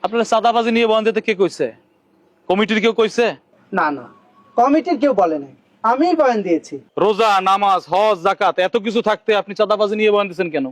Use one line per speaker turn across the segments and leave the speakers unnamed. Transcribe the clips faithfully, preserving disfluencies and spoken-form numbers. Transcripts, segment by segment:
আপনারা চাঁদাবাজি নিয়ে বয়ান দিতে কে কইছে? কমিটির কেউ কইছে?
না না, কমিটির কেউ বলে নাই, আমিই বয়ান দিয়েছি।
রোজা, নামাজ, হজ, যাকাত এত কিছু থাকতে আপনি চাঁদাবাজি নিয়ে বয়ান দিচ্ছেন কেন?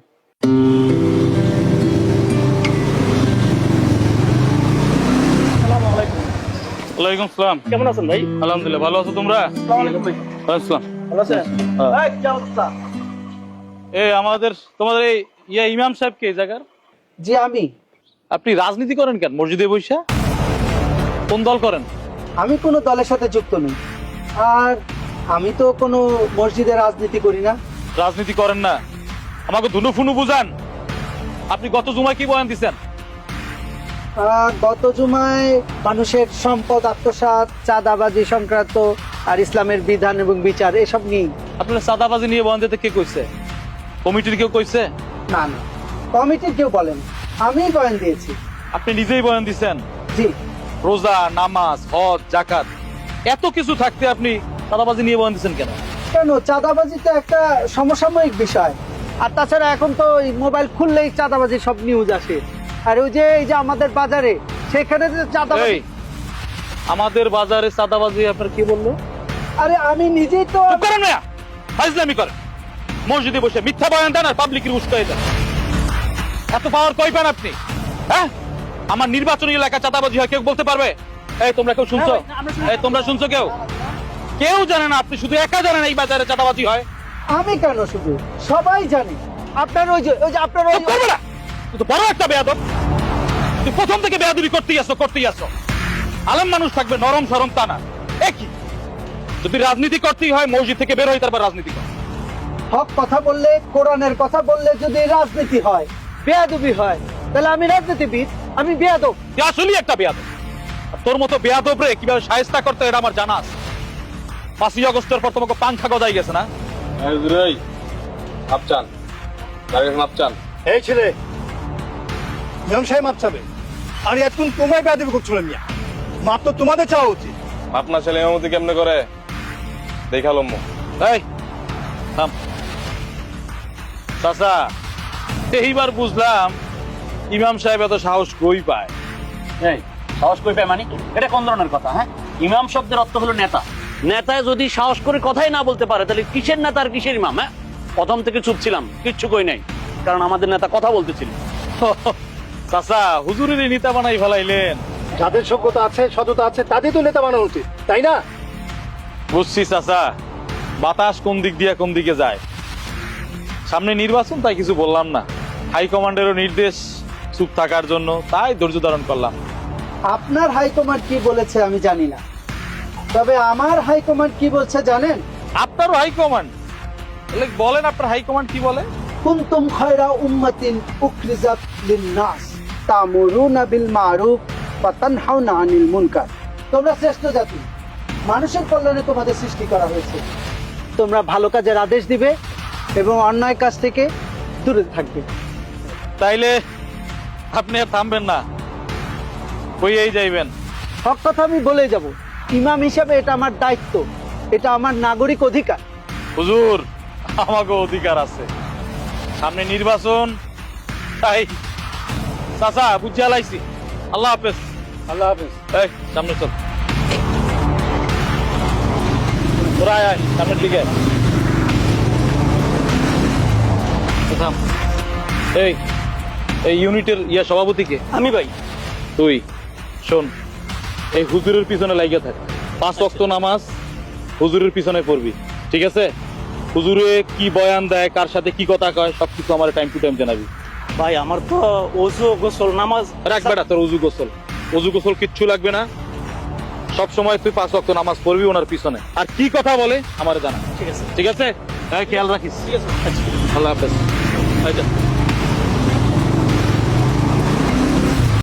ওয়ালাইকুম আসসালাম।
কেমন আছেন ভাই?
আলহামদুলিল্লাহ, ভালো আছো তোমরা? আসসালাম।
ভালো আছেন?
হ্যাঁ।
এই, কি অবস্থা?
এই আমাদের তোমাদের এই ইয়া ইমাম সাহেব কে এই জায়গার?
জি আমি।
আপনি রাজনীতি করেন কেন মসজিদে বৈশা? কোন দল করেন?
আমি কোনো দলের সাথে যুক্ত নই, আর আমি তো কোনো মসজিদে রাজনীতি করি না।
রাজনীতি করেন না, আমাকে ধুনু ফুনু বুঝান। আপনি গত জুমায় কি বয়ান দিচ্ছেন?
আহ, গত জুমায় মানুষের সম্পদ আত্মসাৎ, চাঁদাবাজি সংক্রান্ত আর ইসলামের বিধান এবং বিচার এসব নিয়ে।
আপনারা চাঁদাবাজি নিয়ে বয়ান দিতে কে কইছে? কমিটির কেউ কইছে?
না না, কমিটির কেউ বলেন, আমিই বয়ান দিয়েছি।
আপনি নিজেই বয়ান দিচ্ছেন?
জি।
রোজা, নামাজ, হজ, যাকাত এত কিছু থাকতে আপনি চাঁদাবাজি নিয়ে বয়ান দিচ্ছেন কেন?
কেন, চাঁদাবাজি তো একটা সমসাময়িক বিষয়, আর তাছাড়া এখন তো এই মোবাইল খুললেই চাঁদাবাজি সব নিউজ আসে। আর ওই যে এই যে আমাদের বাজারে, সেখানে যে চাঁদাবাজি।
এই, আমাদের বাজারে চাঁদাবাজি আপনার কি বললো?
আরে আমি নিজেই তো।
চুপ করেন না, ফাজলামি করেন। মসজিদে বসে মিথ্যা বয়ান দেন আর পাবলিকের উস্কাই দেন। এত পাওয়ার কই পান আপনি? হ্যাঁ, আমার নির্বাচনী এলাকা চাঁদাবাজি হয় কেউ বলতে পারবে? এই তোমরা কেউ শুনছো? এই তোমরা শুনছো কেউ? কেউ জানে না, আপনি শুধু একা জানেন এই বাজারে চাঁদাবাজি হয়।
আমি কেন, শুধু সবাই জানে। আপনার ওই যে ওই যে আপনার ওই
চুপ করবে না, তুই তো বড় একটা বেয়াদব। তুই প্রথম থেকে বেয়াদবি করতেই আসো করতেই আসো। আলেম মানুষ থাকবে নরম সরম তা না। একই যদি রাজনীতি করতেই হয় মসজিদ থেকে বের হই, তারপর রাজনীতি কর।
হক কথা বললে, কোরআনের কথা বললে যদি রাজনীতি হয়, বেয়াদবি হয়, তাহলে আমি রাজনীতিবিদ, আমি বেয়াদব।
তুই আসলেই একটা বেয়াদব। আর তোর মতো বেয়াদব রে কিভাবে শায়েস্তা করতে এটা আমার জানা আছে। পাঁচই আগস্টের পর তোমাকে পাংখা গজাই গেছে না?
আপচান আপচান
এই ছেলে, ইমাম সাহেব মাপ চাবে, আর এতক্ষণ তোমায় বেয়াদবি করছিল মিয়া। মাপ তো তোমাদের চাওয়া উচিত।
আপনার ছেলে এমতি কেমনে করে দেখালাম।
এই থাম। চাচা, এইবার বুঝলাম ইমাম সাহেব এত সাহস কই পায়।
এই সাহস কই পায় মানে? এটা কোন ধরনের কথা? হ্যাঁ, ইমাম শব্দের অর্থ হলো নেতা। নেতায় যদি সাহস করে কথাই না বলতে পারে, তাহলে কিসের নেতা আর কিসের ইমাম? হ্যাঁ, প্রথম থেকে চুপ ছিলাম, কিচ্ছু কই নাই, কারণ আমাদের নেতা কথা বলতেছিল।
চাচা, হুজুরের নেতা বানাই ফেলাইলেন।
যাদের যোগ্যতা আছে, সততা আছে, তাদের তো নেতা বানানো উচিত, তাই না?
বুঝছি চাচা, বাতাস কোন দিক দিয়ে কোন দিকে যায়। সামনে নির্বাচন, তাই কিছু বললাম না। হাইকমান্ডেরও নির্দেশ চুপ থাকার জন্য, তাই ধৈর্য ধারণ করলাম।
আপনার হাইকমান্ড কি বলেছে আমি জানি না, তবে আমার হাইকমান্ড কি বলছে জানেন?
আপনারও হাইকমান্ড? তাহলে বলেন আপনার হাইকমান্ড কি বলে?
কুনতুম খায়রা উম্মাতিন উখরিজাত লিন-নাস তা'মুরুনা বিল মা'রুফ ওয়া তানহাউনা আনিল মুনকার। তোমরা শ্রেষ্ঠ জাতি, মানুষের কল্যাণে তোমাদের সৃষ্টি করা হয়েছে। তোমরা ভালো কাজের আদেশ দিবে এবং অন্যায় কাজ থেকে দূরে থাকবে।
তাইলে আপনি আর থামবেন না, কইয়েই যাইবেন?
সব কথা আমি বলে যাব। ইমাম হিসাবে এটা আমার দায়িত্ব, এটা আমার নাগরিক অধিকার।
হুজুর, আমাকে অধিকার আছে, সামনে নির্বাচন, তাই চাচা বুঝিয়া লাইছি। আল্লাহ হাফেজ।
আল্লাহ হাফেজ।
এই সামনে চল, তোরা আয় আয় সামনের দিকে। থাম। এই এই ইউনিটের ইয়া সভাপতিকে?
আমি ভাই।
তুই শোন, এই হুজুরের পিছনে লাগিয়ে থাক। পাঁচ ওয়াক্ত নামাজ হুজুরের পিছনে পড়বি, ঠিক আছে? হুজুরে কি বয়ান দেয়, কার সাথে কি কথা কয়, সবকিছু আমার টাইম টু টাইম জানাবি।
ভাই আমার তো ওযু গোসল নামাজ
রাখবে না তোর উজু গোসল, উজু গোসল কিচ্ছু লাগবে না। সব সময় তুই পাঁচ ওয়াক্ত নামাজ পড়বি ওনার পিছনে। আর কি কথা বলে আমার জানা,
ঠিক আছে।
ঠিক আছে? হ্যাঁ, খেয়াল রাখিস। ঠিক আছে, আল্লাহ হাফেজ।